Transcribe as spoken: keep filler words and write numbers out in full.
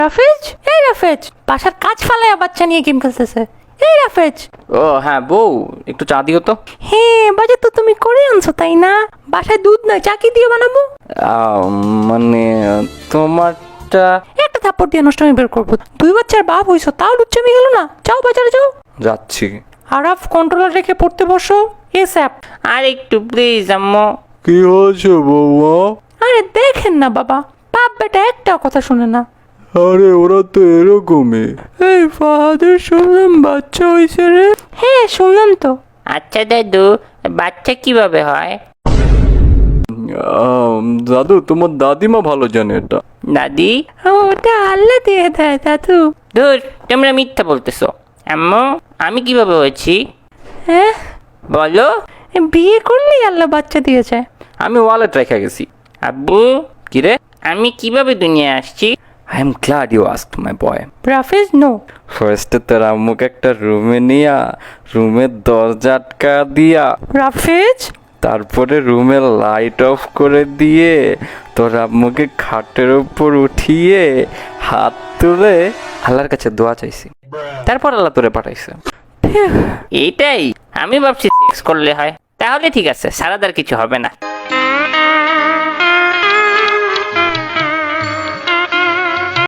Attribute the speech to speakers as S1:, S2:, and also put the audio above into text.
S1: রাফেজ, এই রাফেজ, বাসার কাজ ফালায় বাচ্চা নিয়ে গেম খেলতেছে। এই রাফেজ।
S2: ও হ্যাঁ বউ, একটু চা দিও তো।
S1: হ্যাঁ, বাজার তো তুমি করে আনছো তাই না? বাসায় দুধ নয়, চা কি দিয়ে বানাবো?
S2: আহ, মানে তোমারটা।
S1: একটা থাপ্পড় দিয়ে নষ্ট আমি বের করবো। দুই বাচ্চার বাপ হইছো, তাও লুচ্চামি গেল না। যাও বাজারে যাও।
S2: যাচ্ছি।
S1: আরাফ, কন্ট্রোলার রেখে পড়তে বসো। S app.
S2: আর একটু প্লিজ আম্মু।
S3: কি হয়েছে বৌমা?
S1: আরে দেখেন না বাবা, বাপ বেটা একটাও কথা শুনে না।
S3: আরে ওরা তো এরকমই। এই ফাহাদের শুনলাম বাচ্চা হয়েছে রে।
S1: হ্যাঁ শুনলাম তো।
S2: আচ্ছা দাদু, বাচ্চা কিভাবে হয়?
S3: আম, দাদু তোমার দাদিমা ভালো জানে এটা।
S2: দাদি?
S1: ওটা আল্লাহ দিয়ে দেয় দাদু।
S2: ধুর, তোমরা মিথ্যা বলতেছো। আম্মু, আমি কিভাবে হয়েছি
S1: হ্যাঁ,
S2: বলো?
S1: বিয়ে করলেই আল্লাহ বাচ্চা দিয়েছে।
S2: আমি ওয়ালেট রেখে গেছি। আব্বু, কিরে আমি কিভাবে দুনিয়ায় আসছি? I am glad you asked my boy.
S1: রাফেজ, নো।
S3: ফার্স্টে তোর আম্মুকে একটা রুমে নিয়া রুমের দরজা আটকা দিয়া,
S1: রাফেজ,
S3: তারপরে রুমের লাইট অফ করে দিয়ে তোর আম্মুকে খাটের উপর উঠিয়ে হাত তুলে আল্লাহর কাছে দোয়া চাইছি, তারপর আল্লাহ তোরে পাঠাইছে।
S2: এইটাই আমি ভাবছি সেক্স করলে হয়। তাহলে ঠিক আছে, সারাদার কিছু হবে না।